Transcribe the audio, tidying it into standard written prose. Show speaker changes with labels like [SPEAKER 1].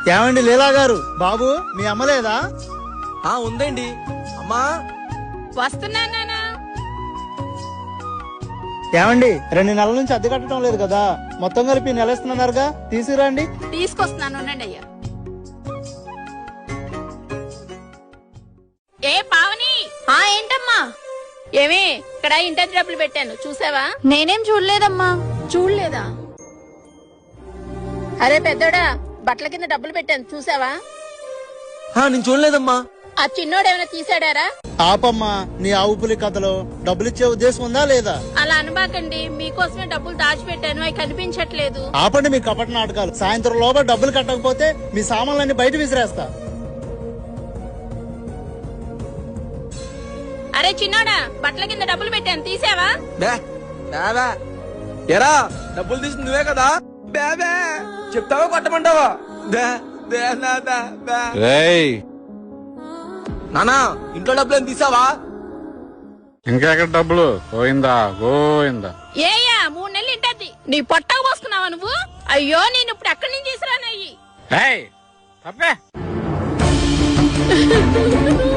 [SPEAKER 1] ఏమండి లీలా గారు, బాబు మీ అమ్మ లేదా?
[SPEAKER 2] ఉందండి. అమ్మా
[SPEAKER 3] వస్తున్నానా?
[SPEAKER 1] ఏమండి 2 నెలల నుంచి అద్దె కట్టడం లేదు కదా, మొత్తం కలిపి నెల ఇస్తున్నారుగా, తీసుకురండి.
[SPEAKER 3] తీసుకొస్తున్నాను అయ్యా. ఏ పావని, ఏంటమ్మా? ఏమి ఇక్కడ ఇంటర్ డబ్బులు పెట్టాను చూసావా?
[SPEAKER 4] నేనేం చూడలేదమ్మా.
[SPEAKER 3] చూడలేదా? అరే పెద్దోడా, బట్టల కింద డబ్బులు పెట్టాను చూసావా?
[SPEAKER 2] నేను చూడలేదమ్మా.
[SPEAKER 3] ఆ చిన్నోడు ఏమైనా తీసాడారా?
[SPEAKER 1] ఆపమ్మా నీ ఆవు పులి కథలో, డబ్బులిచ్చే ఉద్దేశం ఉందా లేదా?
[SPEAKER 3] అలా అనబాకండి, మీకోసమే డబ్బులు దాచిపెట్టాను, అవి కనిపించట్లేదు.
[SPEAKER 1] ఆపండి మీ కపట నాటకాలు. సాయంత్రం లోపల డబ్బులు కట్టకపోతే మీ సామాన్లన్నీ బయట విసిరేస్తా.
[SPEAKER 3] అరే చిన్నోడా, బట్టల కింద డబ్బులు పెట్టాను తీసావా?
[SPEAKER 2] ఎరా డబ్బులు తీసింది నువ్వే కదా? బేబే చెప్తావా కొట్టమంటావా? నానా ఇంట్లో డబ్బులు ఏం తీసావా?
[SPEAKER 5] ఇంకెక్కడ డబ్బులు? గోయిందా గోయిందా.
[SPEAKER 3] ఏయ్యా 3 నెలలు ఇంటది నీ పొట్టకు పోసుకున్నావా నువ్వు? అయ్యో నేను ఇప్పుడు ఎక్కడి నుంచి తీసుకురానయ్యి.